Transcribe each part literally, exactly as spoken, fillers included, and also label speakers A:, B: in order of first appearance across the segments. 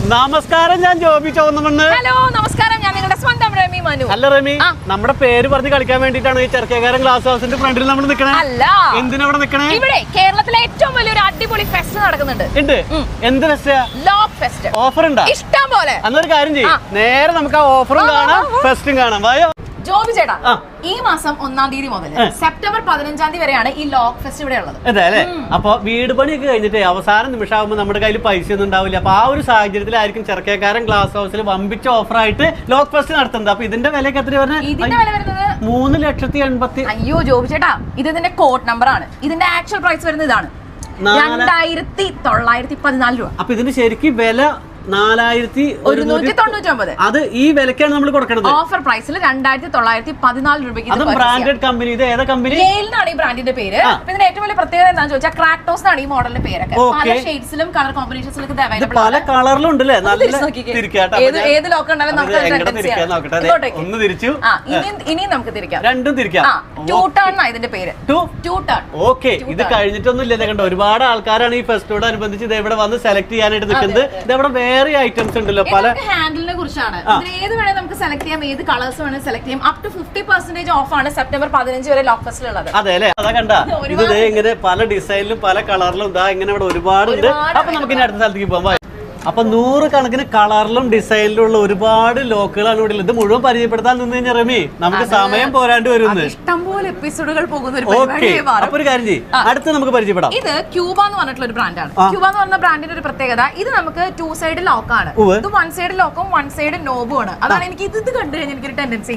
A: നമസ്കാരം, ഞാൻ ജോബി ചോന്നമണ്ണ്.
B: ഹലോ നമസ്കാരം, ഞാൻ നിങ്ങളുടെ സ്വന്തം റമി മനു.
A: അല്ല റമി, നമ്മുടെ പേര് പറഞ്ഞ് കളിക്കാൻ വേണ്ടിട്ടാണ് ഈ ചെറുക്കേക്കാരൻ ഗ്ലാസ് ഹൗസിന്റെ ഫ്രണ്ടിൽ നമ്മൾ നിൽക്കണേ.
B: അല്ല,
A: എന്തിനാ ഇവിടെ നിൽക്കണേ?
B: ഇവിടെ കേരളത്തിലെ ഏറ്റവും വലിയൊരു അടിപൊളി ഫെസ്റ്റ് നടക്കുന്നുണ്ട്.
A: ഉണ്ട്. എന്ത് ഫെസ്റ്റ്?
B: Lock fest.
A: ഓഫർ ഉണ്ടാ?
B: ഇഷ്ടം പോലെ.
A: അന്നൊരു കാര്യം ചെയ്യും, നേരെ നമുക്ക് ആ ഓഫറും കാണാം ഫെസ്റ്റും കാണാം. വായോ
B: ജോബി ചേട്ടാ, ഈ മാസം ഒന്നാം തീയതി മുതൽ സെപ്റ്റംബർ പതിനഞ്ചാം തീയതി വരെയാണ് ഈ ലോക്ക് ഫെസ്റ്റ് ഇവിടെ ഉള്ളത്.
A: അതെ അല്ലെ? അപ്പൊ വീട് പണിയൊക്കെ കഴിഞ്ഞിട്ട് അവസാന നിമിഷമാകുമ്പോൾ നമ്മുടെ കയ്യിൽ പൈസ ഒന്നും ഉണ്ടാവില്ല. അപ്പൊ ആ ഒരു സാഹചര്യത്തിലായിരിക്കും ചെറുക്കേക്കാരൻ ഗ്ലാസ് ഹൗസിൽ വമ്പിച്ച ഓഫറായിട്ട് ലോക്ക് ഫെസ്റ്റ് നടത്തുന്നത്. അപ്പൊ ഇതിന്റെ വിലയൊക്കെ എത്ര പറഞ്ഞത്?
B: ഇതിന്റെ വില വരുന്നത്
A: മൂന്ന് ലക്ഷത്തി എൺപത്തി
B: അയ്യോ ജോബി ചേട്ടാ, ഇത് ഇതിന്റെ കോഡ് നമ്പർ ആണ്. ഇതിന്റെ ആക്ച്വൽ പ്രൈസ് വരുന്നത് ഇതാണ്, രണ്ടായിരത്തി തൊള്ളായിരത്തി പതിനാല് രൂപ.
A: അപ്പൊ ഇതിന് ശരിക്കും വില നാലായിരത്തി
B: ഒരുന്നൂറ്റി തൊണ്ണൂറ്റി ഒമ്പത്.
A: അത് ഈ വിലക്കാണ് നമ്മൾ കൊടുക്കുന്നത്.
B: ഓഫർ പ്രൈസിൽ രണ്ടായിരത്തി തൊള്ളായിരത്തി പതിനാല് രൂപയ്ക്ക്.
A: അതും ബ്രാൻഡഡ് കമ്പനി. ഇത് ഏതാ കമ്പനി?
B: യെയിലാണ് ഈ ബ്രാൻഡിന്റെ പേര്. ഇതിന്റെ ഏറ്റവും വലിയ പ്രത്യേകത എന്താണെന്ന് ചോദിച്ചാൽ ക്രാക്ടോസ് ആണ് ഈ മോഡലിന്റെ പേരൊക്കെ. പല ഷെയ്ഡ്സിലും കളർ കോമ്പിനേഷൻസിലും ഇത് അവൈലബിൾ ആണ്.
A: പല കളറിലും ഉണ്ടല്ലേ? നല്ല
B: ഏത് ലോക്ക് ഉണ്ടാലും നമുക്ക്
A: ഒന്ന് തിരിച്ചു,
B: ഇനിയും നമുക്ക് തിരിക്കാം.
A: രണ്ടും തിരിക്കാം.
B: ടൂ ടേൺ ഇതിന്റെ പേര്. Two turn.
A: ഓക്കെ, ഇത് കഴിഞ്ഞിട്ടൊന്നും ഇല്ല. കണ്ടോ, ഒരുപാട് ആൾക്കാരാണ് ഈ ഫെസ്റ്റോട് അനുബന്ധിച്ച് ഇത് ഇവിടെ വന്ന് സെലക്ട് ചെയ്യാനായിട്ട് നിൽക്കുന്നത്. ഇതെവിടെ വേറെ ഐറ്റംസ് ഉണ്ടല്ലോ പല.
B: ഹാൻഡിലിനെ കുറിച്ചാണ്. ഏത് വേണേൽ നമുക്ക് സെലക്ട് ചെയ്യാം, ഏത് കളേഴ്സ് വേണേൽ സെലക്ട് ചെയ്യാം. Up to fifty percentage off ആണ് സെപ്റ്റംബർ പതിനഞ്ച് വരെ ലോക്ക് ഫെസ്റ്റിലുള്ളത്.
A: അതെ അല്ലെ? അതാ കണ്ട, ഇത് ഇങ്ങനെ പല ഡിസൈനിലും പല കളറിലും ഇതാ ഇങ്ങനെ ഇവിടെ ഒരുപാടുണ്ട്. അപ്പൊ നമുക്ക് ഇനി അടുത്ത സ്ഥലത്തേക്ക് പോകാം. അപ്പൊ നൂറ് കണക്കിന് കളറിലും ഡിസൈനിലും ഉള്ള ഒരുപാട് ലോക്കുകളാണ് ഇവിടെ. ഇത് മുഴുവൻ പരിചയപ്പെടുത്താൻ നിന്ന് കഴിഞ്ഞാൽ റമി നമുക്ക് സമയം പോരാണ്ട് വരുന്നത്.
B: ഇഷ്ടംപോലെ എപ്പിസോഡുകൾ പോകുന്ന ഒരു
A: ഓക്കെ, അപ്പൊ ഒരു കാര്യം ചെയ്യും, അടുത്ത് നമുക്ക് പരിചയപ്പെടാം.
B: ഇത് ക്യൂബ എന്ന് പറഞ്ഞിട്ടുള്ള ഒരു ബ്രാൻഡാണ്. ക്യൂബ എന്ന് പറഞ്ഞ ബ്രാൻഡിന്റെ ഒരു പ്രത്യേകത, ഇത് നമുക്ക് ടു സൈഡ് ലോക്കാണ്. ഇത് വൺ സൈഡ് ലോക്കും വൺ സൈഡ് നോബും ആണ്. അതാണ് എനിക്ക് ഇത് കണ്ടു കഴിഞ്ഞാൽ എനിക്കൊരു ടെൻഡൻസി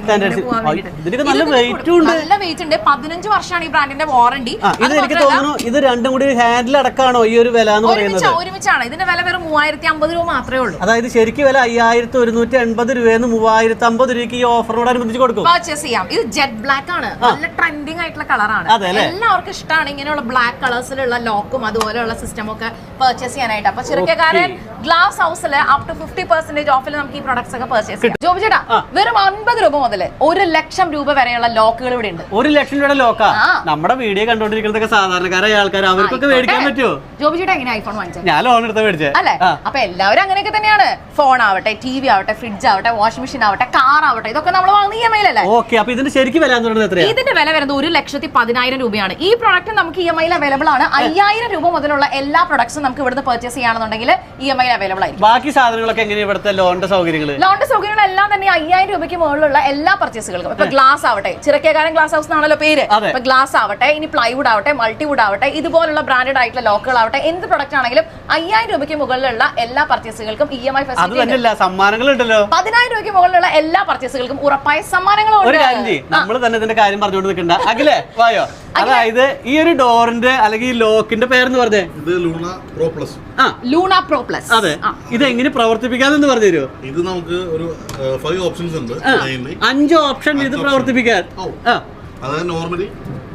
A: നല്ല വെയിറ്റ് ഉണ്ട്.
B: നല്ല വെയിറ്റ് ഉണ്ട്. പതിനഞ്ച് വർഷമാണ് ഈ ബ്രാൻഡിന്റെ വാറണ്ടി.
A: ഇത് എനിക്ക് തോന്നുന്നു ഇത് രണ്ടും കൂടി ഹാൻഡിൽ അടക്കാണോ ഈ ഒരു വില എന്ന് പറയുന്നത്?
B: ഒരുമിച്ചാണ്. ഇതിന്റെ വില വെറും മൂവായിരത്തി അമ്പത് രൂപ മാത്രമേ ഉള്ളൂ.
A: അതായത് ശരിക്കും വില അയ്യായിരത്തി ഒരുന്നൂറ്റി എൺപത് രൂപയെന്ന് മൂവായിരത്തി അമ്പത് രൂപയ്ക്ക് ഈ ഓഫറിനോടനുബന്ധിച്ച് കൊടുക്കും.
B: പർച്ചേസ് ചെയ്യാം. ഇത് ജെറ്റ് ബ്ലാക്ക് ആണ്. നല്ല ട്രെൻഡിങ് ആയിട്ടുള്ള കളറാണ്. എല്ലാവർക്കും ഇഷ്ടമാണ് ഇങ്ങനെയുള്ള ബ്ലാക്ക് കളേഴ്സിലുള്ള ലോക്കും അതുപോലെയുള്ള സിസ്റ്റം ഒക്കെ പർച്ചേസ് ചെയ്യാനായിട്ട്. അപ്പൊ ചെറുക്കേക്കാരൻ ഗ്ലാസ് ഹൗസിൽ അപ് ടു ഫിഫ്റ്റി പെർസെന്റേജ് ഓഫിൽ നമുക്ക് ഈ പ്രൊഡക്ട്സ് ഒക്കെ പർച്ചേസ് ചെയ്യാം. ജോബി ചേട്ടാ, വെറും അൻപത് രൂപ മുതൽ ഒരു ലക്ഷം രൂപ വരെയുള്ള ലോക്കുകൾ ഇവിടെ ഉണ്ട്.
A: ഒരു ലക്ഷം രൂപയുടെ ലോക്കാ? നമ്മുടെ വീഡിയോ കണ്ടോണ്ടിരിക്കുന്നതൊക്കെ സാധാരണക്കാരായ ആൾക്കാർ, അവർക്കൊക്കെ മേടിക്കാൻ പറ്റുമോ?
B: ജോബി ചേട്ടാ എങ്ങനെ ഐഫോൺ വാങ്ങിച്ചത്?
A: ഞാൻ ലോൺ എടുത്ത് മേടിച്ചേ
B: അല്ലേ? അപ്പൊ എല്ലാവരും അങ്ങനെയൊക്കെ തന്നെയാണ്. ഫോൺ ആവട്ടെ, ടി വി ആവട്ടെ, ഫ്രിഡ്ജ് ആവട്ടെ, വാഷിംഗ് മെഷീൻ ആവട്ടെ, കാർ ആവട്ടെ, ഇതൊക്കെ നമ്മൾ വാങ്ങുന്ന ഇ എം ഐ അല്ലേ?
A: ഓക്കെ, അപ്പൊ ഇതിന്റെ ശരിക്കും വില എത്രയാണ്?
B: ഇതിന്റെ വില വരുന്നത് ഒരു ലക്ഷത്തി പതിനായിരം രൂപയാണ്. ഈ പ്രൊഡക്റ്റ് നമുക്ക് ഇ എം ഐയിൽ അവൈലബിൾ ആണ്. അയ്യായിരം രൂപ മുതലുള്ള എല്ലാ പ്രൊഡക്ട്സും നമുക്ക് ഇവിടുന്ന് പർച്ചേസ് ചെയ്യുകയാണെന്നുണ്ടെങ്കിൽ ഇ എം ഐയിൽ അവൈലബിൾ ആയിരിക്കും.
A: ബാക്കി സാധനങ്ങളൊക്കെ എങ്ങനെയാണ് ഇവിടുത്തെ ലോണിന്റെ സൗകര്യങ്ങൾ?
B: ലോണിന്റെ സൗകര്യങ്ങൾ എല്ലാം തന്നെ അയ്യായിരം രൂപയ്ക്ക് മുകളിലുള്ള എല്ലാ പർച്ചേസുകൾക്കും. ഇപ്പൊ ഗ്ലാസ് ആവട്ടെ, ചിറക്കേക്കാരൻ ഗ്ലാസ് ഹൗസ് എന്നാണല്ലോ പേര്. ഇപ്പൊ ഗ്ലാസ് ആവട്ടെ, ഇനി പ്ലൈവുഡ് ആവട്ടെ, മൾട്ടിവുഡ് ആവട്ടെ, ഇതുപോലുള്ള ബ്രാൻഡഡ് ആയിട്ടുള്ള ലോക്കുകൾ ആവട്ടെ, എന്ത് പ്രൊഡക്റ്റ് ആണെങ്കിലും അയ്യായിരം രൂപയ്ക്ക് മുകളിലുള്ള എല്ലാ പർച്ചേസുകൾക്കും ഇ എം ഐ
A: സമ്മാനങ്ങളുണ്ടല്ലോ.
B: പതിനായിരം രൂപയ്ക്ക് മുകളിലുള്ള എല്ലാ പർച്ചേസുകൾക്കും ഉറപ്പായ സമ്മാനങ്ങളും.
A: ഒരു കാര്യം ചെയ്യും, നമ്മൾ തന്നെ ഇതിന്റെ കാര്യം പറഞ്ഞുകൊണ്ട് നിൽക്കണ്ട. അഖിലേ വായോ. അതായത് ഈ ഒരു ഡോറിന്റെ അല്ലെങ്കിൽ ഈ ലോക്കിന്റെ പേരെന്ന് പറഞ്ഞേ?
C: ഇത് ലൂണ പ്രോ പ്ലസ്.
A: ആ,
B: ലൂണ പ്രോ പ്ലസ്.
A: അതെ. ഇത് എങ്ങനെ പ്രവർത്തിപ്പിക്കാന്ന് പറഞ്ഞു തരുമോ?
C: ഇത് നമുക്ക് ഒരു ഫൈവ് ഓപ്ഷൻസ് ഉണ്ട്.
A: അഞ്ച് ഓപ്ഷൻ ഇത് പ്രവർത്തിപ്പിക്കാൻ.
C: അതായത് നോർമലി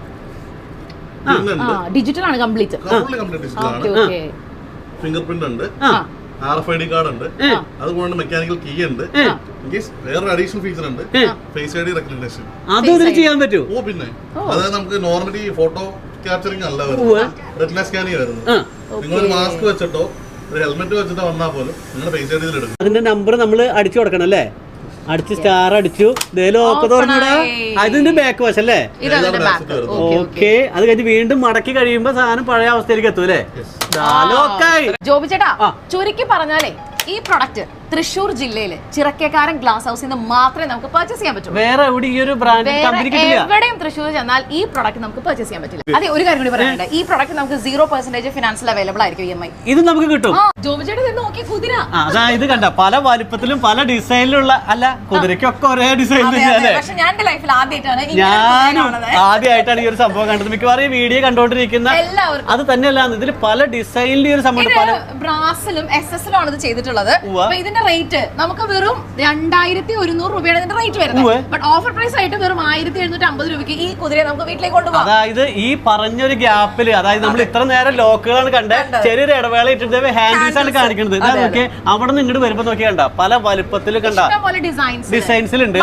B: ഡിജിറ്റൽ ആണ്, കംപ്ലീറ്റ്
C: ഫിംഗർ പ്രിന്റ് ഉണ്ട്, R F I D card ഉണ്ട്, അതുകൊണ്ട് മെക്കാനിക്കൽ കീ ഉണ്ട്, വേറൊരു അഡീഷണൽ ഫീച്ചർ ഉണ്ട്, ഫേസ് ഐ ഡി റെക്കഗ്നിഷൻ.
A: അതൊന്നും ചെയ്യാൻ പറ്റുമോ?
C: ഓ പിന്നെ, അതായത് നമുക്ക് നോർമലി ഫോട്ടോ ക്യാപ്ചറിംഗ് അല്ല വരുന്നത്, റെറ്റിന സ്കാനിങ് വരുന്നത്. നിങ്ങൾ മാസ്ക് വെച്ചിട്ടോ ഒരു ഹെൽമെറ്റ് വെച്ചിട്ടോ വന്നാൽ പോലും നിങ്ങളുടെ ഫേസ് ഐ ഡി എടുക്കും.
A: അതിന്റെ നമ്പർ നമ്മൾ അടിച്ചു കൊടുക്കണം അല്ലേ? അടിച്ച് സ്റ്റാർ അടിച്ചു, ലോക്ക് തുറന്നിടാ. അതിന്റെ ബാക്ക് വശം അല്ലേ? ഓക്കെ, അത് കഴിഞ്ഞ് വീണ്ടും മടക്കി കഴിയുമ്പോ സാധനം പഴയ അവസ്ഥയിലേക്ക് എത്തും അല്ലേ?
B: ജോബി ചേട്ടാ, ചുരുക്കി പറഞ്ഞാലേ ഈ പ്രൊഡക്റ്റ് തൃശ്ശൂർ ജില്ലയില് ചിറക്കേക്കാരൻ ഗ്ലാസ് ഹൗസിൽ നിന്ന് മാത്രമേ നമുക്ക് പർച്ചേസ് ചെയ്യാൻ പറ്റൂ.
A: വേറെ എവിടെ ഈ ഒരു ബ്രാൻഡ് കമ്പനി കിട്ടില്ല.
B: എവിടെയും തൃശ്ശൂർ ചെന്നാൽ ഈ പ്രൊഡക്റ്റ് നമുക്ക് പർച്ചേസ് ചെയ്യാൻ പറ്റില്ല. അതെ, ഒരു കാര്യം കൂടി പറയാനുണ്ട്, ഈ പ്രൊഡക്റ്റ് നമുക്ക് സീറോ പെർസെന്റേജ് ഫിനാൻസിൽ അവൈലബിൾ ആയിരിക്കും ഇ എം ഐ.
A: ഇത് നമുക്ക് കിട്ടും.
B: ജോബി ചേട്ടാ ഇത് നോക്കി, കുതിര.
A: അതായത് കണ്ട പല വലിപ്പത്തിലും പല ഡിസൈനിലുള്ള. അല്ല, കുതിരക്കൊക്കെ ഒരേ ഡിസൈൻ തന്നെയല്ലേ?
B: പക്ഷെ ഞാൻ എന്റെ ലൈഫിൽ ആദ്യമായിട്ടാണ്
A: ഞാനും ആദ്യമായിട്ടാണ് ഈ ഒരു സംഭവം കണ്ടത്. മിക്കവാറും ഈ വീഡിയോ കണ്ടോണ്ടിരിക്കുന്ന
B: എല്ലാവർക്കും
A: അത് തന്നെയല്ല, ഇതിൽ പല ഡിസൈനിലും ഒരു സംഭവം.
B: ബ്രാസിലും എസ് എസിലും ആണ് ഇത് ചെയ്തിട്ടുള്ളത്. ഇതിന്റെ ഇതിന്റെ റേറ്റ് നമുക്ക് വെറും രണ്ടായിരത്തി ഒരുന്നൂറ് രൂപയാണ് ഇതിന്റെ റേറ്റ് വരുന്നത്. ബട്ട് ഓഫർ പ്രൈസ് ആയിട്ട് വെറും ആയിരത്തി എഴുന്നൂറ്റി അമ്പത് രൂപയ്ക്ക് ഈ കുതിരയെ നമുക്ക് വീട്ടിലേക്ക് കൊണ്ടുപോകാം.
A: അതായത് ഈ പറഞ്ഞൊരു ഗ്യാപ്പില്, അതായത് നമ്മൾ ഇത്ര നേരം ലോക്കുകളാണ് കണ്ടത്, ചെറിയൊരു ഇടവേള ഇട്ടിട്ട് ഹാൻഡീസ് ആണ് കാണിക്കുന്നത്. നോക്കിയേ, അവിടെ നിന്ന് ഇങ്ങോട്ട് വരുമ്പോ നോക്കിയാ കണ്ട പല വലുപ്പത്തിൽ കണ്ട ഡിസൈൻസിലുണ്ട്.